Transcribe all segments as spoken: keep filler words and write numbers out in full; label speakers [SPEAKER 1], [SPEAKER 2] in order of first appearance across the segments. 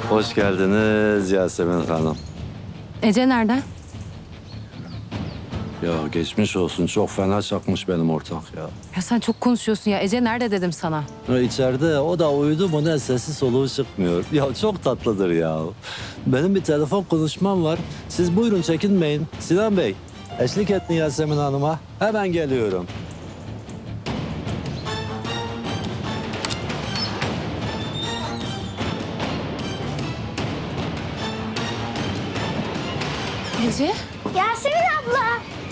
[SPEAKER 1] Hoş geldiniz Yasemin Hanım.
[SPEAKER 2] Ece nerede?
[SPEAKER 1] Ya geçmiş olsun. Çok fena çakmış benim ortak ya.
[SPEAKER 2] Ya sen çok konuşuyorsun ya. Ece nerede dedim sana.
[SPEAKER 1] Ya içeride o da uyudu mu ne sesi soluğu çıkmıyor. Ya çok tatlıdır ya. Benim bir telefon konuşmam var. Siz buyurun çekinmeyin. Sinan Bey, eşlik ettin Yasemin Hanım'a. Hemen geliyorum.
[SPEAKER 2] Ece?
[SPEAKER 3] Yasemin abla.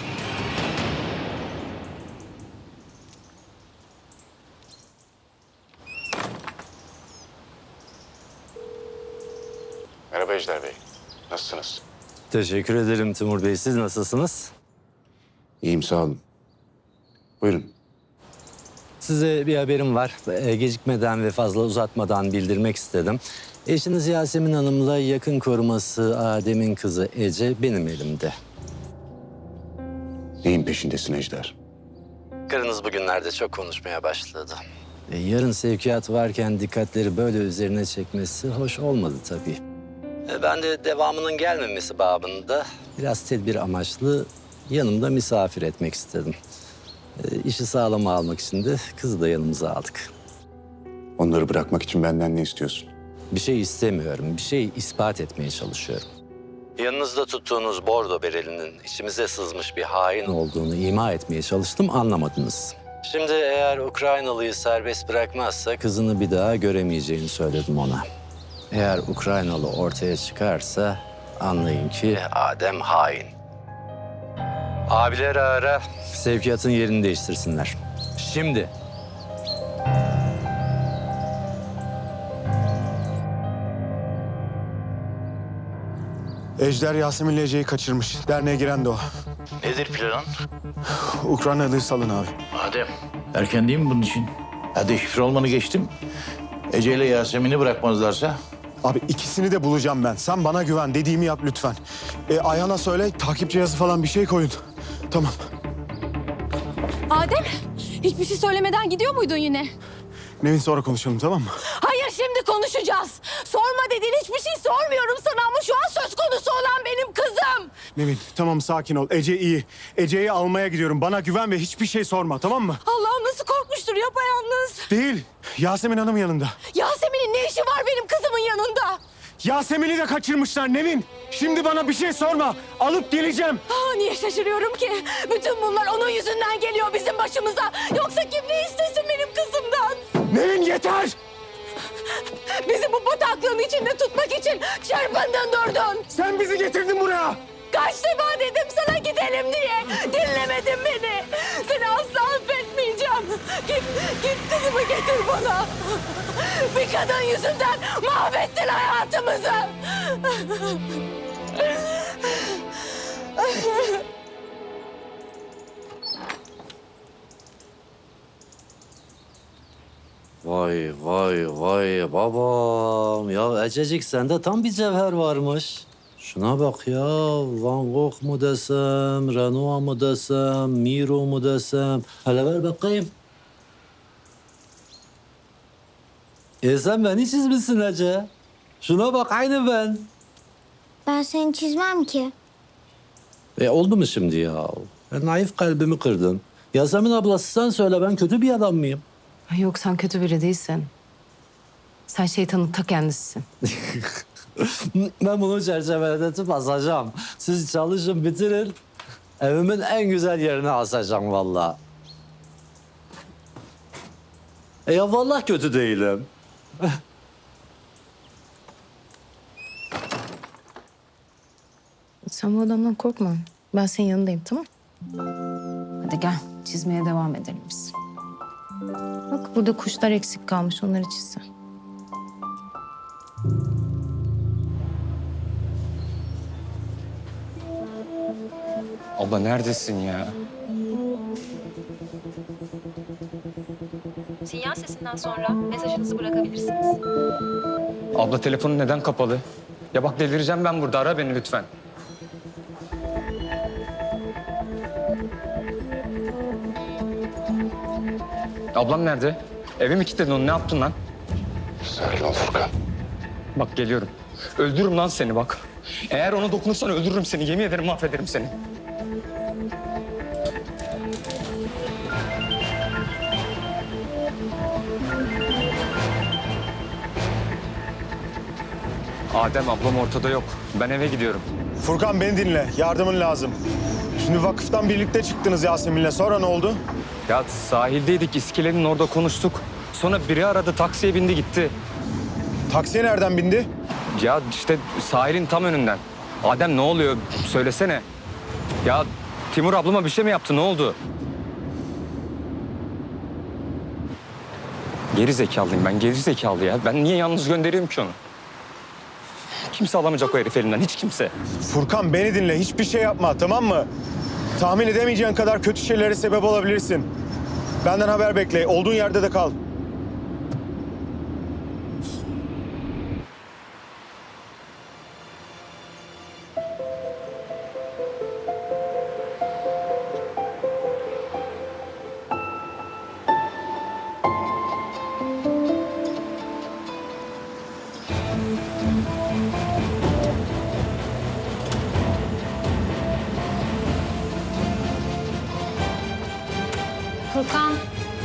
[SPEAKER 4] Merhaba Ejder Bey. Nasılsınız?
[SPEAKER 1] Teşekkür ederim Timur Bey. Siz nasılsınız?
[SPEAKER 4] İyiyim, sağ olun. Buyurun.
[SPEAKER 1] Size bir haberim var. Ee, Gecikmeden ve fazla uzatmadan bildirmek istedim. Eşiniz Yasemin Hanım'la yakın koruması Adem'in kızı Ece benim elimde.
[SPEAKER 4] Neyin peşindesin Ejder?
[SPEAKER 1] Karınız bugünlerde çok konuşmaya başladı. E, yarın sevkiyat varken dikkatleri böyle üzerine çekmesi hoş olmadı tabii. E, ben de devamının gelmemesi babında biraz tedbir amaçlı yanımda misafir etmek istedim. E, işi sağlama almak için de kızı da yanımıza aldık.
[SPEAKER 4] Onları bırakmak için benden ne istiyorsun?
[SPEAKER 1] Bir şey istemiyorum, bir şey ispat etmeye çalışıyorum. Yanınızda tuttuğunuz bordo berelinin içimize sızmış bir hain olduğunu ima etmeye çalıştım, anlamadınız. Şimdi eğer Ukraynalıyı serbest bırakmazsa kızını bir daha göremeyeceğini söyledim ona. Eğer Ukraynalı ortaya çıkarsa anlayın ki Adem hain. Abileri ara, sevkiyatın yerini değiştirsinler. Şimdi.
[SPEAKER 5] Ejder Yasemin'le Ece'yi kaçırmış. Derneğe giren de o.
[SPEAKER 6] Nedir planın?
[SPEAKER 5] Ukraynalıyı salın abi.
[SPEAKER 6] Adem, erken değil mi bunun için? Hadi şifre olmanı geçtim. Ece ile Yasemin'i bırakmazlarsa?
[SPEAKER 5] Abi ikisini de bulacağım ben. Sen bana güven. Dediğimi yap lütfen. E, Ayhan'a söyle takip cihazı falan bir şey koyun. Tamam.
[SPEAKER 7] Adem, hiçbir şey söylemeden gidiyor muydun yine?
[SPEAKER 5] Nevin sonra konuşalım, tamam mı?
[SPEAKER 7] Hayır, şimdi konuşacağız. Sorma dediğin hiçbir şey sormuyorum sana ama şu an söz konusu olan benim kızım.
[SPEAKER 5] Nevin tamam, sakin ol. Ece iyi. Ece'yi almaya gidiyorum. Bana güven ve hiçbir şey sorma, tamam mı?
[SPEAKER 7] Allah'ım nasıl korkmuştur yapayalnız.
[SPEAKER 5] Değil. Yasemin Hanım yanında.
[SPEAKER 7] Yasemin'in ne işi var benim kızımın yanında?
[SPEAKER 5] Yasemin'i de kaçırmışlar Nevin. Şimdi bana bir şey sorma. Alıp geleceğim.
[SPEAKER 7] Aa, niye şaşırıyorum ki? Bütün bunlar onun yüzünden geliyor bizim başımıza. Yoksa kim ne istesin benim kızımdan?
[SPEAKER 5] Nevin yeter.
[SPEAKER 7] Bizi bu bataklığın içinde tutmak için çırpındın durdun.
[SPEAKER 5] Sen bizi getirdin buraya.
[SPEAKER 7] Kaç defa dedim sana gidelim diye. Dinlemedin beni. Seni asla affetmeyeceğim. Git, git kızımı getir bana. Bir kadın yüzünden mahvettin hayatımızı.
[SPEAKER 1] Vay vay vay babam. Ya Ececik sende tam bir cevher varmış. Şuna bak ya. Van Gogh mu desem, Renoir mu desem, Miro mu desem. Hele ver bakayım. E sen beni çizmişsin Ece. Şuna bak aynı ben.
[SPEAKER 3] Ben seni çizmem ki.
[SPEAKER 1] E oldu mu şimdi ya? E, naif kalbimi kırdın. Yasemin ablası sen söyle, ben kötü bir adam mıyım?
[SPEAKER 2] Ay yok, sen kötü biri değilsin. Sen şeytanın ta kendisisin.
[SPEAKER 1] Ben bunu çerçeveletip asacağım. Siz çalışın bitirin. Evimin en güzel yerine asacağım vallahi. E ya vallahi kötü değilim.
[SPEAKER 2] Sen bu adamdan korkma. Ben senin yanındayım, tamam? Hadi gel, çizmeye devam edelim biz. Bak burada kuşlar eksik kalmış, onları çizsen.
[SPEAKER 8] Abla neredesin ya?
[SPEAKER 9] Sinyal sesinden sonra mesajınızı bırakabilirsiniz.
[SPEAKER 8] Abla telefonun neden kapalı? Ya bak delireceğim ben burada. Ara beni lütfen. Ablam nerede? Evi mi kilitledin onu? Ne yaptın lan?
[SPEAKER 4] Sakin ol Furkan.
[SPEAKER 8] Bak geliyorum. Öldürürüm lan seni bak. Eğer ona dokunursan öldürürüm seni. Yemin ederim mahvederim seni. Adem ablam ortada yok. Ben eve gidiyorum.
[SPEAKER 5] Furkan beni dinle. Yardımın lazım. Şimdi vakıftan birlikte çıktınız Yasemin'le. Sonra ne oldu?
[SPEAKER 8] Ya sahildeydik, iskelenin orada konuştuk. Sonra biri aradı, taksiye bindi gitti.
[SPEAKER 5] Taksiye nereden bindi?
[SPEAKER 8] Ya işte sahilin tam önünden. Adem ne oluyor? Söylesene. Ya Timur ablama bir şey mi yaptı? Ne oldu? Geri zekalıyım ben, geri zekalı ya. Ben niye yalnız göndereyim ki onu? Kimse alamayacak o herif elinden, hiç kimse.
[SPEAKER 5] Furkan beni dinle. Hiçbir şey yapma, tamam mı? Tahmin edemeyeceğin kadar kötü şeylere sebep olabilirsin. Benden haber bekle. Olduğun yerde de kal.
[SPEAKER 2] Furkan.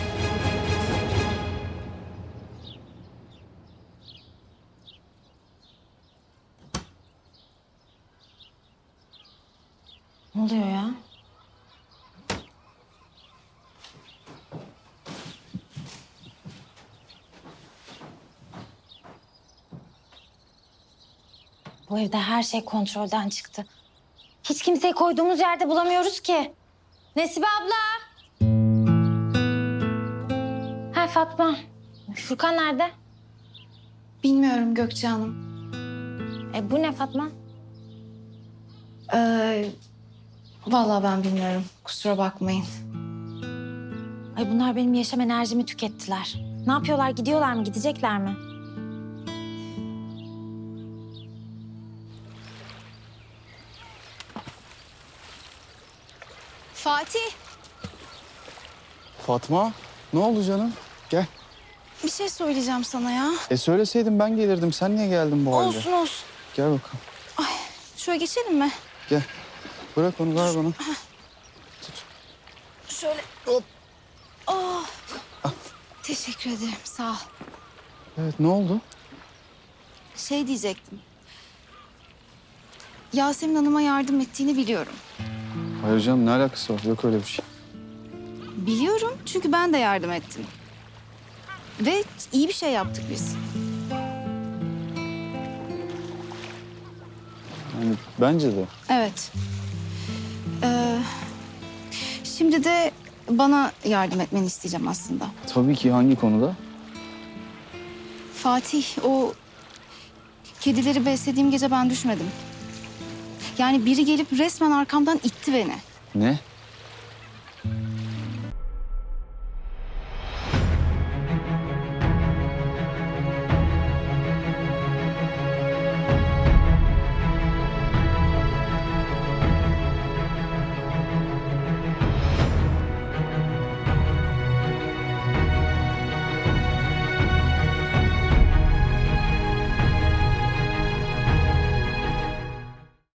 [SPEAKER 2] Ne oluyor ya?
[SPEAKER 10] Bu evde her şey kontrolden çıktı. Hiç kimseyi koyduğumuz yerde bulamıyoruz ki. Nesibe abla. Ha Fatma. Furkan nerede?
[SPEAKER 2] Bilmiyorum Gökçe Hanım.
[SPEAKER 10] E bu ne Fatma?
[SPEAKER 2] Ee, vallahi ben bilmiyorum. Kusura bakmayın.
[SPEAKER 10] Ay bunlar benim yaşam enerjimi tükettiler. Ne yapıyorlar? Gidiyorlar mı? Gidecekler mi?
[SPEAKER 7] Fatih,
[SPEAKER 11] Fatma, ne oldu canım? Gel.
[SPEAKER 7] bir şey söyleyeceğim sana ya.
[SPEAKER 11] E söyleseydin ben gelirdim. Sen niye geldin bu halde?
[SPEAKER 7] Olsun olsun.
[SPEAKER 11] Gel bakalım.
[SPEAKER 7] Şöyle geçelim mi?
[SPEAKER 11] Gel. Bırak onu, ver bana.
[SPEAKER 7] Şöyle. Hop. Oh. Teşekkür ederim, sağ ol.
[SPEAKER 11] Evet, ne oldu?
[SPEAKER 7] Şey diyecektim. Yasemin Hanım'a yardım ettiğini biliyorum.
[SPEAKER 11] Hayır canım, ne alakası var? Yok öyle bir şey.
[SPEAKER 7] Biliyorum çünkü ben de yardım ettim. Ve iyi bir şey yaptık biz.
[SPEAKER 11] Yani bence de.
[SPEAKER 7] Evet. Ee, şimdi de bana yardım etmeni isteyeceğim aslında.
[SPEAKER 11] Tabii ki, hangi konuda?
[SPEAKER 7] Fatih, o kedileri beslediğim gece ben düşmedim. Yani biri gelip resmen arkamdan itti beni.
[SPEAKER 11] Ne?